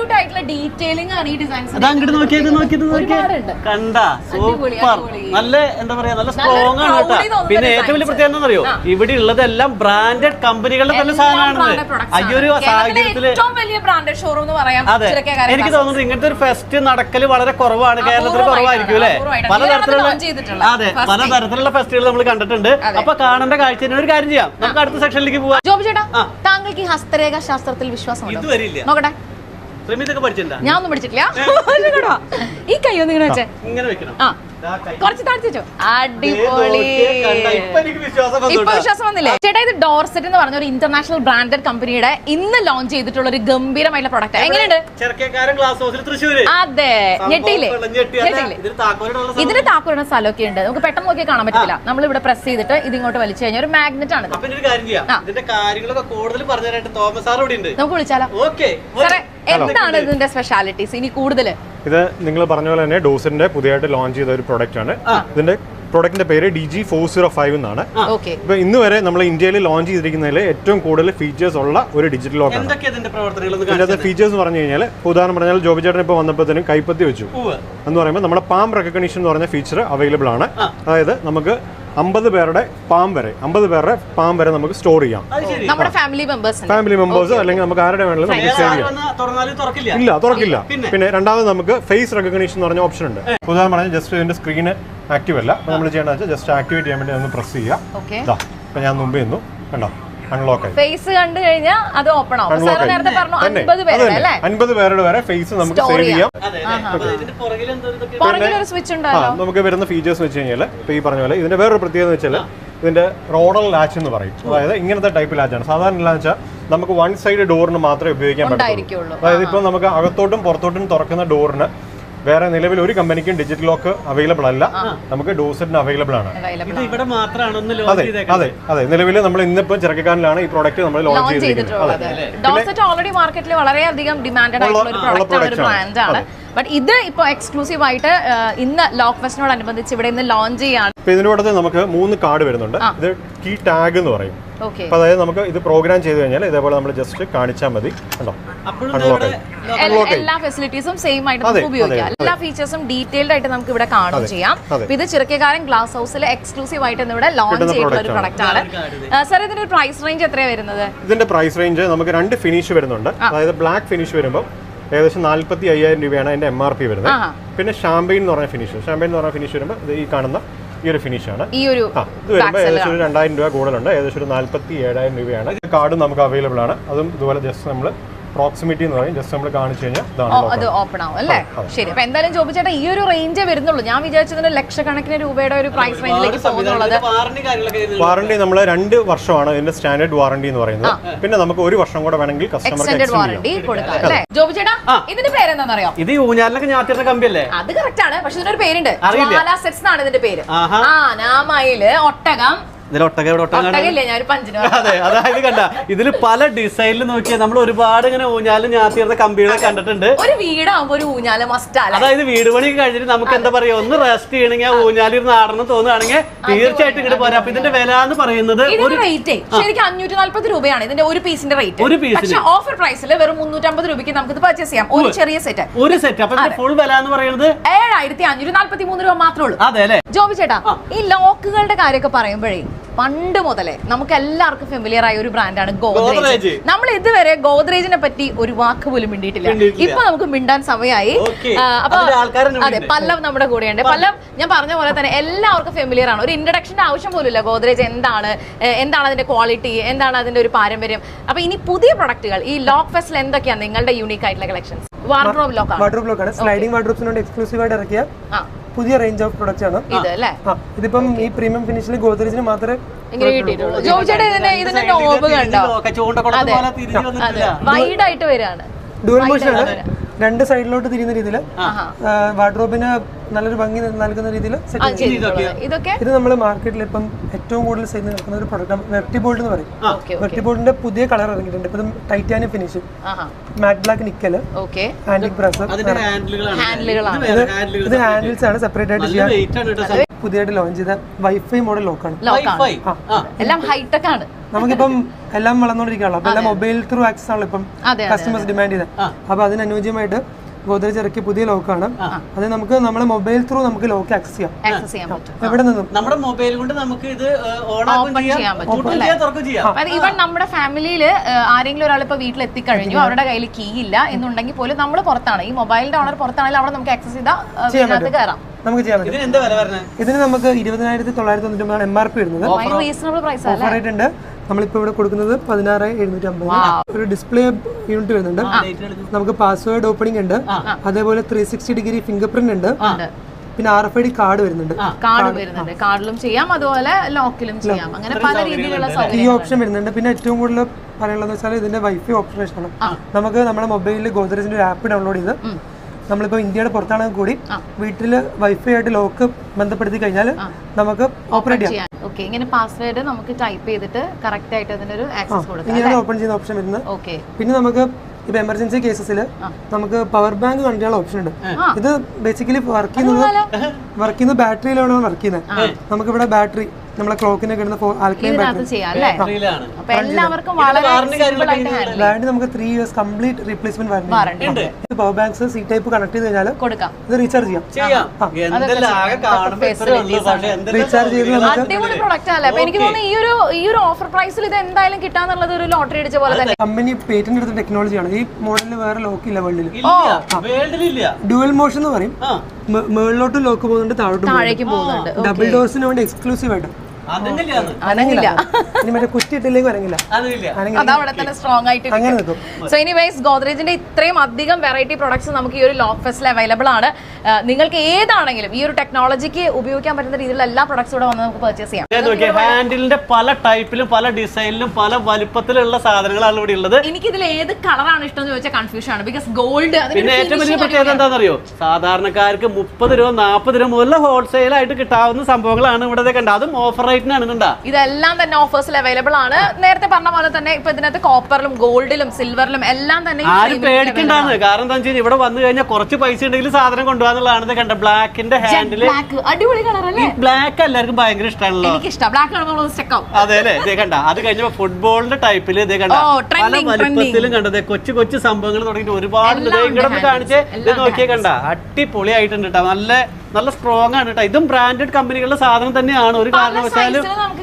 A: അത് അങ്ങോട്ട് നോക്കിയത് നോക്കിയത് നോക്കിയത് കണ്ട സൂപ്പർ. നല്ല എന്താ പറയാ, നല്ല സ്ട്രോങ് ആണ് കേട്ടോ. പിന്നെ ഏറ്റവും വലിയ പ്രത്യേകത എന്താണെന്നറിയോ, ഇവിടെ ഉള്ളതെല്ലാം ബ്രാൻഡഡ് കമ്പനികളുടെ തന്നെ സാധനമാണ്. അയ്യൊരു സാഹചര്യത്തില് അതെ, എനിക്ക് തോന്നുന്നത് ഇങ്ങനത്തെ ഒരു ഫെസ്റ്റ് നടക്കല് വളരെ കുറവാണ്, കേരളത്തിൽ കുറവായിരിക്കും അല്ലെ. പലതരത്തിലുള്ള അതെ പലതരത്തിലുള്ള ഫെസ്റ്റുകൾ നമ്മൾ കണ്ടിട്ടുണ്ട്. അപ്പൊ കാണേണ്ട കാഴ്ച ഒരു കാര്യം ചെയ്യാം, നമുക്ക് അടുത്ത സെക്ഷനിലേക്ക് പോവാം.
B: ജോബി ചേട്ടാ, താങ്കൾക്ക് ഈ ഹസ്തരേഖ ശാസ്ത്രത്തിൽ വിശ്വാസം നോക്കട്ടെ.
A: ഞാൻ
B: ഒന്നും പഠിച്ചിട്ടില്ല. ഈ കൈ ഒന്ന് ഇങ്ങനെ വെച്ചേ,
A: ഇങ്ങനെ വെക്കണം.
B: ആ കുറച്ച് താഴ്ത്തിച്ചോ. അടിപൊളി. ഇപ്പൊ വിശ്വാസം വന്നില്ലേ ചേട്ടാ? ഇത് ഡോർസെറ്റ് എന്ന് പറഞ്ഞ ഒരു ഇന്റർനാഷണൽ ബ്രാൻഡഡ് കമ്പനിയുടെ ഇന്ന് ലോഞ്ച് ചെയ്തിട്ടുള്ള ഒരു ഗംഭീരമായിട്ടുള്ള പ്രൊഡക്റ്റ്. എങ്ങനെയുണ്ട്? അതെ, ഞെട്ടിയില്ലേ? ഇതിന് താക്കോലിടുന്ന സ്ഥലമൊക്കെ ഉണ്ട്, നമുക്ക് പെട്ടെന്ന് നോക്കിയാൽ കാണാൻ പറ്റില്ല. നമ്മൾ ഇവിടെ പ്രസ് ചെയ്തിട്ട് ഇതിങ്ങോട്ട് വലിച്ചു കഴിഞ്ഞാൽ ഒരു മാഗ്നറ്റ് ആണ്. നമുക്ക് വിളിച്ചാലോ? സാറേ, എന്താണ് ഇതിന്റെ സ്പെഷ്യാലിറ്റീസ് ഇനി കൂടുതൽ?
D: ഇത് നിങ്ങൾ പറഞ്ഞ പോലെ തന്നെ ഡോസിന്റെ പുതിയതായിട്ട് ലോഞ്ച് ചെയ്ത ഒരു പ്രൊഡക്റ്റ് ആണ്. ഇതിന്റെ പ്രൊഡക്റ്റിന്റെ പേര് D G four zero five എന്നാണ്. ഇപ്പൊ ഇന്ന് വരെ നമ്മൾ ഇന്ത്യയിൽ ലോഞ്ച് ചെയ്തിരിക്കുന്നതിൽ ഏറ്റവും കൂടുതൽ ഫീച്ചേഴ്സ് ഉള്ള ഒരു ഡിജിറ്റൽ ലോക്ക് ആണ്. ഇതിന്റെ ഫീച്ചേഴ്സ് പറഞ്ഞു കഴിഞ്ഞാൽ, ഉദാഹരണം പറഞ്ഞാൽ ജോബി ചേട്ടൻ ഇപ്പൊ വന്നപ്പോഴത്തേനും കൈപ്പത്തി വെച്ചു എന്ന് പറയുമ്പോൾ നമ്മുടെ പാം റെക്കഗ്നിഷൻ എന്ന് പറഞ്ഞ ഫീച്ചർ അവൈലബിൾ ആണ്. അതായത് നമുക്ക് അമ്പത് പേരുടെ പാം വരെ അമ്പത് പേരുടെ പാം വരെ നമുക്ക് സ്റ്റോർ ചെയ്യാം.
B: നമ്മുടെ ഫാമിലി മെമ്പേഴ്സ്
D: ഫാമിലി മെമ്പേഴ്സ് അല്ലെങ്കിൽ നമുക്ക് ആരുടെ വേണമെങ്കിലും നമുക്ക് സേവ് ചെയ്യാം. ഇല്ല, തുറക്കില്ല. പിന്നെ രണ്ടാമത് നമുക്ക് ഫേസ് റെക്കഗ്നിഷൻ എന്ന് പറഞ്ഞ ഓപ്ഷൻ ഉണ്ട്. ഉദാഹരണം പറഞ്ഞാൽ ജസ്റ്റ് ഇതിന്റെ സ്ക്രീന് ആക്റ്റീവ് അല്ല, നമ്മൾ ചെയ്യേണ്ടത് വെച്ചാൽ ജസ്റ്റ് ആക്ടിവേറ്റ് ചെയ്യാൻ വേണ്ടി ഒന്ന് പ്രസ് ചെയ്യാം. ഇപ്പൊ ഞാൻ മുമ്പേ നിന്നു, കണ്ടോ, അൺലോക്ക് ആയി.
B: ഫേസ് കണ്ടു കഴിഞ്ഞാൽ അത് ഓപ്പൺ ആവും. നേരത്തെ പറഞ്ഞു
D: അൻപത് പേരുടെ വരെ ഫേസ് നമുക്ക് സേവ് ചെയ്യാം. നമുക്ക് വരുന്ന ഫീച്ചേഴ്സ് വെച്ച് കഴിഞ്ഞാൽ ഇപ്പൊ ഈ പറഞ്ഞ പോലെ ഇതിന്റെ വേറൊരു പ്രത്യേകത വെച്ചാൽ ഇതിന്റെ റോഡൽ ലാച്ച് എന്ന് പറയും. അതായത് ഇങ്ങനത്തെ ടൈപ്പ് ലാച്ചാണ്. സാധാരണ ലാച്ച നമുക്ക് വൺ സൈഡ് ഡോറിന് മാത്രമേ ഉപയോഗിക്കാൻ പറ്റുള്ളൂ. അതായത് ഇപ്പൊ നമുക്ക് അകത്തോട്ടും പുറത്തോട്ടും തുറക്കുന്ന ഡോറിന് വേറെ നിലവിൽ ഒരു കമ്പനിക്കും ഡിജിറ്റൽ ലോക്ക് അവൈലബിൾ അല്ല, നമുക്ക് ഡോസെറ്റിന് അവൈലബിൾ ആണ്. അതെ അതെ അതെ നിലവിൽ നമ്മൾ ഇന്നിപ്പോ ചെറുക്കാനിലാണ് ഈ പ്രോഡക്റ്റ് നമ്മൾ ലോഞ്ച് ചെയ്തിട്ടുള്ളത്.
B: ഡോസെറ്റ് ഓൾറെഡി മാർക്കറ്റിൽ വളരെയധികം ഡിമാൻഡഡ് ആയിട്ടുള്ള ഒരു പ്രോഡക്റ്റ് ആണ്, ഒരു ബ്രാൻഡ് ആണ്. ബട്ട് ഇത് ഇപ്പൊ എക്സ്ക്ലൂസീവ് ആയിട്ട് ഇന്ന് ലോക്ക് ഫെസ്റ്റിനോടനുബന്ധിച്ച് ഇവിടെ ഇന്ന് ലോഞ്ച് ചെയ്യാണ്.
D: ഇതിന്റെ കൂടെ നമുക്ക് മൂന്ന് കാർഡ് വരുന്നുണ്ട്. ഇത് കീ ടാഗ് എന്ന് പറയും. അപ്പൊ അതായത് നമുക്ക് ഇത് പ്രോഗ്രാം ചെയ്ത് കഴിഞ്ഞാൽ ഇതേപോലെ നമ്മൾ ജസ്റ്റ് കാണിച്ചാൽ മതി.
B: എല്ലാ ഫെസിലിറ്റീസും സെയിം ആയിട്ട് നമുക്ക് ഉപയോഗിക്കാം. എല്ലാ ഫീച്ചേഴ്സും ഡീറ്റെയിൽഡ് ആയിട്ട് നമുക്ക് ഇവിടെ കാണുകയും ചെയ്യാം. ഇത് ചിറക്കക്കാരൻ ഗ്ലാസ് ഹൗസിൽ എക്സ്ക്ലൂസീവ് ആയിട്ട് ഇവിടെ ലോഞ്ച് ചെയ്തിട്ടുള്ള ഒരു പ്രൊഡക്റ്റ് ആണ്. സാർ, ഇതിന്റെ പ്രൈസ് റേഞ്ച് എത്രയാണ് വരുന്നത്?
D: ഇതിന്റെ പ്രൈസ് റേഞ്ച് നമുക്ക് രണ്ട് ഫിനിഷ് വരുന്നുണ്ട്. അതായത് ബ്ലാക്ക് ഫിനിഷ് വരുമ്പോൾ ഏകദേശം നാല്പത്തി അയ്യായിരം രൂപയാണ് അതിന്റെ എം ആർ പി വരുന്നത്. പിന്നെ ഷാമ്പെയിൻ എന്ന് പറഞ്ഞ ഫിനിഷ് ഷാമ്പെയിൻ എന്ന് പറഞ്ഞ ഫിനിഷ് വരുമ്പോൾ ഈ കാണുന്ന ഈ ഒരു ഫിനിഷ് ആണ്.
B: ഈ ഒരു
D: ഇത് വരുമ്പോൾ ഏകദേശം ഒരു രണ്ടായിരം രൂപ കൂടുതലുണ്ട്. ഏകദേശം ഒരു നാല്പത്തി ഏഴായിരം രൂപയാണ്. ഈ കാർഡ് നമുക്ക് അവൈലബിൾ ആണ്. അതും ഇതുപോലെ ജസ്റ്റ് നമ്മൾ പ്രോക്സിമിറ്റി എന്ന് പറയും, ജസ്റ്റ് നമ്മൾ കാണിച്ചു കഴിഞ്ഞാൽ
B: അത് ഓപ്പൺ ആവും അല്ലേ? ശരി. അപ്പൊ എന്തായാലും ജോബി ചേട്ടാ, ഈ ഒരു റേഞ്ചേ വരുന്നുള്ളൂ. ഞാൻ വിചാരിച്ചതിന് ലക്ഷക്കണക്കിന് രൂപയുടെ ഒരു പ്രൈസ് റേഞ്ചിലേക്ക് പോകുന്നുള്ളത്.
D: വാറണ്ടി നമ്മൾ രണ്ട് വർഷമാണ് ഇതിന്റെ സ്റ്റാൻഡേർഡ് വാറണ്ടി എന്ന് പറയുന്നത്. പിന്നെ നമുക്ക് ഒരു വർഷം കൂടെ വേണമെങ്കിൽ കസ്റ്റമർക്ക്
B: വാറണ്ടി കൊടുക്കാം അല്ലേ? ജോബി ചേട്ടാ, ഇതിന്റെ പേരെന്താണെന്നറിയോ?
A: ഇത് ഊഞ്ഞാലിനൊക്കെ ഞാത്തിരുന്ന കമ്പിയല്ലേ?
B: അത് കറക്റ്റ് ആണ്. പക്ഷെ ഇതിനൊരു പേരുണ്ട്, ജ്വാല സെറ്റ്സ് എന്നാണ് ഇതിന്റെ പേര്. ആ നാമയില് ഒട്ടകം.
A: അതെ, അതായത് കണ്ട ഇതില് പല ഡിസൈനിൽ നോക്കിയാൽ നമ്മൾ ഒരുപാട് ഇങ്ങനെ ഊഞ്ഞാലും ഞാത്തിരുന്ന കമ്പികളെ കണ്ടിട്ടുണ്ട്.
B: ഒരു വീടാകുമ്പോ ഒരു ഊഞ്ഞാല് മസ്റ്റ് ആണ്.
A: അതായത് വീട് പണി കഴിഞ്ഞിട്ട് നമുക്ക് എന്താ പറയാ, ഒന്ന് റെസ്റ്റ് ചെയ്യണമെങ്കിൽ ആ ഊഞ്ഞാലിരുന്ന് ആടണം തോന്നുകയാണെങ്കിൽ തീർച്ചയായിട്ടും ഇങ്ങോട്ട് പോരാ. അപ്പൊ ഇതിന്റെ വില എന്ന് പറയുന്നത്
B: റേറ്റ് ശരിക്കും അഞ്ഞൂറ്റി നാല്പത് രൂപയാണ് ഇതിന്റെ ഒരു പീസിന്റെ റേറ്റ്.
A: ഒരു പീസിന്
B: ഓഫർ പ്രൈസിൽ വെറും മുന്നൂറ്റമ്പത് രൂപയ്ക്ക് നമുക്ക് ഇത് പർച്ചേസ് ചെയ്യാം. ഒരു ചെറിയ സെറ്റ്
A: ഒരു സെറ്റ്. അപ്പൊ ഫുൾ വില എന്ന് പറയുന്നത്
B: ഏഴായിരത്തി അഞ്ഞൂറ്റി നാല്പത്തി മൂന്ന് രൂപ മാത്രമേ ഉള്ളൂ.
A: അതെ അല്ലെ?
B: ജോബി ചേട്ടാ, ഈ ലോക്കുകളുടെ കാര്യമൊക്കെ പറയുമ്പോഴേ പണ്ട് മുതലേ നമുക്ക് എല്ലാവർക്കും ഫെമിലിയർ ആയ ഒരു ബ്രാൻഡാണ് ഗോദ്രേജ്. നമ്മൾ ഇതുവരെ ഗോദ്രേജിനെ പറ്റി ഒരു വാക്ക് പോലും മിണ്ടിയിട്ടില്ല. ഇപ്പൊ നമുക്ക് മിണ്ടാൻ സമയമായി. അപ്പൊ അതെ, പല്ലവ് നമ്മുടെ കൂടെയുണ്ട്. പല്ലവ്, ഞാൻ പറഞ്ഞ പോലെ തന്നെ എല്ലാവർക്കും ഫെമിലിയർ ആണ്. ഒരു ഇൻട്രഡക്ഷന്റെ ആവശ്യം പോലും ഇല്ല. ഗോദ്രേജ് എന്താണ്, എന്താണ് അതിന്റെ ക്വാളിറ്റി, എന്താണ് അതിന്റെ ഒരു പാരമ്പര്യം. അപ്പൊ ഇനി പുതിയ പ്രൊഡക്റ്റുകൾ ഈ ലോക്ക് ഫെസ്റ്റിൽ എന്തൊക്കെയാണ് നിങ്ങളുടെ യൂണീക്ക് ആയിട്ടുള്ള കളക്ഷൻസ്? വാർഡ്രോബ് ലോക്ക്,
E: വാർഡ്രോബ് ലോക്കാണ്. സ്ലൈഡിംഗ് വാർഡ്രോബ്സിനോട് എക്സ്ക്ലൂസീവ് ആയിട്ട് ഇറക്കിയ പുതിയ റേഞ്ച് ഓഫ് പ്രൊഡക്ട്സ് ആണ് ഇത് അല്ലേ? ഇതിപ്പം ഈ പ്രീമിയം ഫിനിഷിൽ ഗോദ്രേജിന് മാത്രമേ
B: ഇങ്ങനെ കിട്ടിയിട്ടുള്ളൂ. ജോബി ചേട്ടാ, ഇതിന്റെ ഇതിന്റെ നോബ് കണ്ടോ? വൈഡ് ആയിട്ട് വരികയാണ്.
E: ഡുവൽ മോഷൻ ആണ്. രണ്ട് സൈഡിലോട്ട് തിരിയുന്ന രീതിയിൽ വാർഡ്രോബിന് നല്ലൊരു ഭംഗി നൽകുന്ന രീതിയിൽ സെറ്റ് ചെയ്തിട്ടുണ്ട്.
B: ഇതൊക്കെ
E: ഇത് നമ്മൾ മാർക്കറ്റിൽ ഇപ്പം ഏറ്റവും കൂടുതൽ സെയിൽ നടക്കുന്ന ഒരു പ്രൊഡക്റ്റ് വെർട്ടിബോൾഡ് എന്ന് പറയും. വെർട്ടിബോൾഡിന്റെ പുതിയ കളർ ഇറങ്ങിയിട്ടുണ്ട്. ഇപ്പം titanium finish, matte black nickel, antique brass. ഇത് ഹാൻഡിൽസ് ആണ് സെപ്പറേറ്റ് ആയിട്ട് ചെയ്യാൻ പുതിയതായിട്ട് ലോഞ്ച് ചെയ്ത വൈഫൈ മോഡൽ ലോക്കാണ്.
B: എല്ലാം ഹൈടെക് ആണ്.
E: നമുക്കിപ്പം എല്ലാം വളർന്നുകൊണ്ടിരിക്കുകയാണല്ലോ. അപ്പൊ എല്ലാം മൊബൈൽ ത്രൂ ആക്സസ് ആണല്ലോ ഇപ്പം കസ്റ്റമേഴ്സ് ഡിമാൻഡ് ചെയ്തത്. അപ്പൊ അതിന് അനുയോജ്യമായിട്ട് ഗോദ്രേജ് ഇറക്കിയ പുതിയ ലോക്കാണ്. അത് നമുക്ക് നമ്മുടെ മൊബൈൽ ത്രൂ നമുക്ക് ലോക്ക് ആക്സസ് ചെയ്യാം. എവിടെ നിന്നും
A: നമ്മുടെ മൊബൈൽ കൊണ്ട് നമുക്ക് ഇത് ഓൺ ചെയ്യാൻ പറ്റും.
B: ഈവൻ നമ്മുടെ ഫാമിലിയിൽ ആരെങ്കിലും ഒരാൾ ഇപ്പൊ വീട്ടിൽ എത്തിക്കഴിഞ്ഞു, അവരുടെ കയ്യിൽ കീ ഇല്ല എന്നുണ്ടെങ്കിൽ പോലും നമ്മൾ പുറത്താണ്, ഈ മൊബൈലിന്റെ ഓണർ പുറത്താണെങ്കിൽ അവിടെ നമുക്ക് ആക്സസ് ചെയ്താൽ കയറാം.
E: നമുക്ക് ചെയ്യാൻ പറ്റും. ഇതിന് നമുക്ക് ഇരുപതിനായിരത്തി തൊള്ളായിരത്തി തൊണ്ണൂറ്റി ഒമ്പതാണ് എം ആർ പി വരുന്നത്.
B: റീസണബിൾ പ്രൈസ്
E: ഓഫർ ആയിട്ടുണ്ട്. നമ്മളിപ്പോ ഇവിടെ കൊടുക്കുന്നത് പതിനാറ് എഴുന്നൂറ്റി അമ്പത്. ഒരു ഡിസ്പ്ലേ യൂണിറ്റ് വരുന്നുണ്ട്. നമുക്ക് പാസ്വേഡ് ഓപ്പണിംഗ് ഉണ്ട്. അതേപോലെ three sixty degree fingerprint ഉണ്ട്. പിന്നെ R F I D card വരുന്നുണ്ട്.
B: കാർഡ് വരുന്നുണ്ട്. കാർഡിലും ചെയ്യാം, അതുപോലെ ലോക്കിലും ചെയ്യാം. അങ്ങനെ പല രീതിയിലുള്ള
E: ഈ ഓപ്ഷൻ വരുന്നുണ്ട്. പിന്നെ ഏറ്റവും കൂടുതൽ പറയാനുള്ളത് വെച്ചാൽ ഇതിന്റെ വൈഫൈ ഓപ്പറേഷൻ ആണ്. നമുക്ക് നമ്മുടെ മൊബൈലിൽ ഗോദ്രേജിന്റെ ഒരു ആപ്പ് ഡൗൺലോഡ് ചെയ്ത് നമ്മളിപ്പോ ഇന്ത്യയുടെ പുറത്താണെങ്കിൽ കൂടി വീട്ടിൽ വൈഫൈ ആയിട്ട് ലോക്ക് ബന്ധപ്പെടുത്തി കഴിഞ്ഞാൽ നമുക്ക് ഓപ്പറേറ്റ് ചെയ്യാം.
B: ഓക്കെ, ഇങ്ങനെ പാസ്വേഡ് നമുക്ക് ടൈപ്പ് ചെയ്തിട്ട് കറക്റ്റ് ആയിട്ട് അതിനൊരു ആക്സസ് കൊടുക്കാം.
E: ഇങ്ങനെയാണ് ഓപ്പൺ ചെയ്യുന്ന ഓപ്ഷൻ വരുന്നത്.
B: ഓക്കെ,
E: പിന്നെ നമുക്ക് ഇപ്പൊ എമർജൻസി കേസസിൽ നമുക്ക് പവർ ബാങ്ക് കണക്ട് ചെയ്യാനുള്ള ഓപ്ഷൻ ഉണ്ട്. ഇത് ബേസിക്കലി വർക്ക് ചെയ്യുന്നത് വർക്ക് ചെയ്യുന്നത് ബാറ്ററിയിലാണ് വർക്ക് ചെയ്യുന്നത്. നമുക്ക് ഇവിടെ ബാറ്ററി നമ്മളെ ക്ലോക്കിനൊക്കെ ഇടുന്ന ആൽക്കലൈൻ ബാറ്ററി വാറണ്ടി നമുക്ക് three years complete replacement warranty. Power banks C type connect ചെയ്ത് കഴിഞ്ഞാൽ ഇത് റീചാർജ് ചെയ്യാം. റീചാർജ് ചെയ്ത്
B: അടിപൊളി പ്രൊഡക്റ്റ് അല്ലേ. അപ്പൊ എനിക്ക് തോന്നുന്നു ഈ ഒരു ഈ ഒരു ഓഫർ പ്രൈസിൽ ഇത് എന്തായാലും കിട്ടാന്നുള്ളത് ഒരു ലോട്ടറി അടിച്ച പോലെ തന്നെ.
E: കമ്പനി പേറ്റന്റ് എടുത്ത ടെക്നോളജിയാണ്. ഈ മോഡലിൽ വേറെ ലോക്ക് ഇല്ല വേൾഡിൽ. ഡ്യുവൽ മോഷൻ എന്ന് പറയും. മേളിലോട്ട് ലോക്ക് പോകുന്നുണ്ട്, താഴോട്ട്
B: പോകുന്നുണ്ട്.
E: ഡബിൾ ഡോർസിന് വേണ്ടി എക്സ്ക്ലൂസീവ് ആയിട്ട്
B: അനങ്ങില്ല.
E: ഇനി മറ്റേ കുറ്റിയിട്ടില്ലെങ്കിൽ അനങ്ങില്ല.
B: അതവിടെ തന്നെ സ്ട്രോങ് ആയിട്ട്.
E: അങ്ങനെ നിൽക്കും.
B: സോ എനിവേസ് ഗോദ്രേജിന്റെ ഇത്രയും അധികം വെറൈറ്റി പ്രൊഡക്ട്സ് നമുക്ക് ഈ ഒരു ലോക്ക് ഫെസ്റ്റിൽ അവൈലബിൾ ആണ്. നിങ്ങൾക്ക് ഏതാണെങ്കിലും ഈ ഒരു ടെക്നോളജിക്ക് ഉപയോഗിക്കാൻ പറ്റുന്ന രീതിയിലുള്ള എല്ലാ പ്രൊഡക്ട്സും ഇവിടെ വന്ന് നമുക്ക് പർച്ചേസ് ചെയ്യാം.
A: ഹാൻഡിലിന്റെ പല ടൈപ്പിലും പല ഡിസൈനിലും പല വലുപ്പത്തിലുള്ള സാധനങ്ങളാണ് ഇവിടെ ഉള്ളത്.
B: എനിക്ക് ഇതിൽ ഏത് കളറാണ് ഇഷ്ടം എന്ന് ചോദിച്ചാൽ കൺഫ്യൂഷൻ ആണ്. ബിക്കോസ് ഗോൾഡ്
A: പിന്നെ ഏറ്റവും വലിയ പ്രത്യേകത എന്താണെന്നറിയോ, സാധാരണക്കാർക്ക് മുപ്പത് രൂപ നാൽപ്പത് രൂപ മുതൽ ഹോൾസെയിൽ ആയിട്ട് കിട്ടാവുന്ന സംഭവങ്ങളാണ് ഇവിടെ കണ്ടത്. അതും ഓഫർ
B: ഇതെല്ലാം തന്നെ ഓഫേഴ്സിൽ അവൈലബിൾ ആണ്. നേരത്തെ പറഞ്ഞ പോലെ തന്നെ ഇപ്പൊ ഇതിനകത്ത് കോപ്പറിലും ഗോൾഡിലും സിൽവറിലും എല്ലാം തന്നെ
A: ആരും പേടിക്കണ്ടാന്ന്. കാരണം എന്താ വെച്ചാൽ ഇവിടെ വന്നു കഴിഞ്ഞാൽ കുറച്ച് പൈസ ഉണ്ടെങ്കിൽ സാധനം കൊണ്ടുപോകാന്നുള്ളതാണ്. കണ്ട ബ്ലാക്കിന്റെ ഹാൻഡില്
B: അടിപൊളി കളർ അല്ലേ.
A: ബ്ലാക്ക് എല്ലാവർക്കും ഭയങ്കര ഇഷ്ടമാണല്ലോ.
B: എനിക്ക് ഇഷ്ടം ബ്ലാക്ക്.
A: അതെ അല്ലേ. ഇതേ കണ്ട അത് കഴിഞ്ഞപ്പോ ഫുട്ബോളിന്റെ ടൈപ്പില് ഇതേ കണ്ട പല വലിപ്പത്തിലും കണ്ടത് കൊച്ചു കൊച്ചു സംഭവങ്ങൾ തുടങ്ങിയിട്ട് ഒരുപാട് ഇങ്ങോട്ട് കാണിച്ച് ഇത് നോക്കിയേ കണ്ട അടിപൊളിയായിട്ടുണ്ട് കേട്ടോ. നല്ല നല്ല സ്ട്രോങ് ആണ് കേട്ടോ. ഇതും ബ്രാൻഡഡ് കമ്പനികളുടെ സാധനം തന്നെയാണ്. ഒരു കാരണവശാലും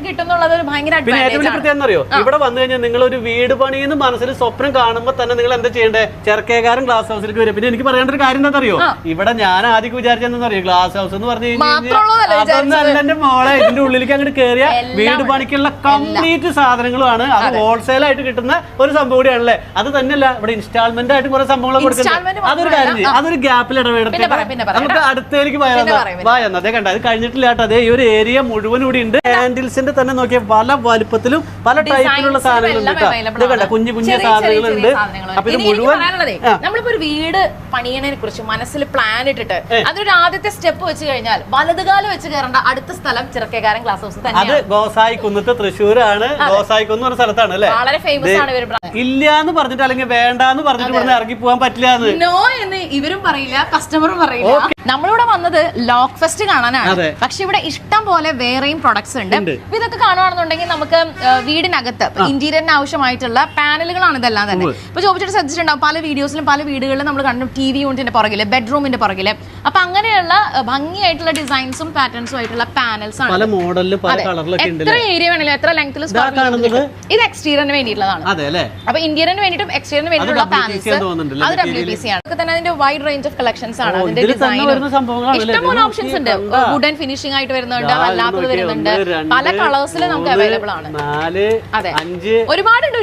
A: പിന്നെ ഏറ്റവും വലിയ പ്രത്യേകം എന്താ അറിയോ, ഇവിടെ വന്നു കഴിഞ്ഞാൽ നിങ്ങൾ ഒരു വീട് പണിയെന്ന് മനസ്സിൽ സ്വപ്നം കാണുമ്പോൾ തന്നെ നിങ്ങൾ എന്താ ചെയ്യേണ്ടത്, ചെറുക്കേകാരൻ ഗ്ലാസ് ഹൗസിലേക്ക് വരും. പിന്നെ എനിക്ക് പറയേണ്ട ഒരു കാര്യം എന്താ അറിയോ, ഇവിടെ ഞാൻ ആദ്യം വിചാരിച്ചെന്ന് അറിയോ, ഗ്ലാസ് ഹൗസ് എന്ന് പറഞ്ഞു കഴിഞ്ഞാൽ അതൊന്നല്ല എന്റെ മോളെ. ഇതിന്റെ ഉള്ളിലേക്ക് അങ്ങോട്ട് കയറിയ വീട് പണിക്കുള്ള കംപ്ലീറ്റ് സാധനങ്ങളുമാണ്. അത് ഹോൾസെയിൽ ആയിട്ട് കിട്ടുന്ന ഒരു സംഭവം കൂടിയാണല്ലേ. അത് തന്നെയല്ല ഇവിടെ ഇൻസ്റ്റാൾമെന്റ് ആയിട്ട് കുറെ സംഭവങ്ങൾ കൊടുക്കുന്നത്. അതൊരു കാര്യം ചെയ്യും, അതൊരു ഗ്യാപ്പിൽ ഇടപെടുത്തി നമുക്ക് അടുത്തേക്ക് പോയാൽ അതേ കണ്ട. അത് കഴിഞ്ഞിട്ടില്ല കേട്ടോ. അതേ ഈ ഒരു ഏരിയ മുഴുവൻ കൂടി ഉണ്ട്. ഹാൻഡിൽസിന്റെ തന്നെ നോക്കിയ പല വലുപ്പത്തിലും പല ടൈപ്പിലുള്ള സാധനങ്ങളുണ്ട്. കണ്ട കുഞ്ഞു കുഞ്ഞു സാധനങ്ങളുണ്ട്. അപ്പൊ ഇത് മുഴുവൻ
B: നമ്മളിപ്പോ ഒരു വീട് പണിയണതിനെ കുറിച്ച് മനസ്സിൽ പ്ലാൻ ഇട്ടിട്ട് അതൊരു ആദ്യത്തെ സ്റ്റെപ്പ് വെച്ച് കഴിഞ്ഞാൽ വലതുകാലം വെച്ച് കയറേണ്ട അടുത്ത സ്ഥലം ചിറക്കേകാരൻ ഗ്ലാസ് ഹൗസ് തന്നെ.
A: അത് ഗോസായി കുന്നത്ത് തൃശ്ശൂരാണ്. ഗോസായി കുന്ന് പറഞ്ഞ സ്ഥലത്താണ് അല്ലെ.
B: വളരെ ഫേമസ് ആണ് ഇവർ.
A: ഇല്ല എന്ന് പറഞ്ഞിട്ട് അല്ലെങ്കിൽ വേണ്ടാന്ന് പറഞ്ഞിട്ട് ഇവിടെ ഇറങ്ങി പോകാൻ പറ്റില്ല
B: നോ എന്ന് ഇവരും പറയില്ല, കസ്റ്റമറും പറയില്ല. നമ്മളിവിടെ വന്നത് ലോക്ക് ഫെസ്റ്റ് കാണാനാണ്. പക്ഷെ ഇവിടെ ഇഷ്ടം പോലെ വേറെയും പ്രൊഡക്ട്സ് ഉണ്ട്. ഇതൊക്കെ കാണുകയാണെന്നുണ്ടെങ്കിൽ നമുക്ക് വീടിനകത്ത് ഇന്റീരിയറിന് ആവശ്യമായിട്ടുള്ള പാനലുകളാണ് ഇതെല്ലാം തന്നെ. ഇപ്പൊ ചോദിച്ചിട്ട് ശ്രദ്ധിച്ചിട്ടുണ്ടാവും പല വീഡിയോസിലും പല വീടുകളിലും നമ്മൾ കണ്ടു ടി വി യൂണിറ്റിന്റെ പുറകില്, ബെഡ്റൂമിന്റെ പുറകില്. അപ്പൊ അങ്ങനെയുള്ള ഭംഗിയായിട്ടുള്ള ഡിസൈൻസും പാറ്റേൺസും ആയിട്ടുള്ള പാനൽസ് ആണ്. എത്ര ഏരിയ വേണമെങ്കിലും എത്ര ലെങ്ത്തിൽ ഇത് എക്സ്റ്റീരിയറിന് വേണ്ടിയിട്ടുള്ളതാണ്. അപ്പൊ ഇന്റീരിയറിന് വേണ്ടിയിട്ടും എക്സ്റ്റീരിയറിന് വേണ്ടിയിട്ടുള്ള പാനൽസ് അത് ഡബ്ല്യു പി സി ആണ്. തന്നെ അതിന്റെ വൈഡ് റേഞ്ച് ഓഫ് കളക്ഷൻസ് ആണ്. അതിന്റെ ഡിസൈൻ ഇഷ്ടം പോലെ ഓപ്ഷൻസ് ഉണ്ട്. വുഡൻ ഫിനിഷിംഗ് ആയിട്ട് വരുന്നുണ്ട്, അല്ലാത്തത് വരുന്നുണ്ട്, പല കളേഴ്സിൽ നമുക്ക് അവൈലബിൾ ആണ്. അതെ, ഒരുപാടുണ്ട്.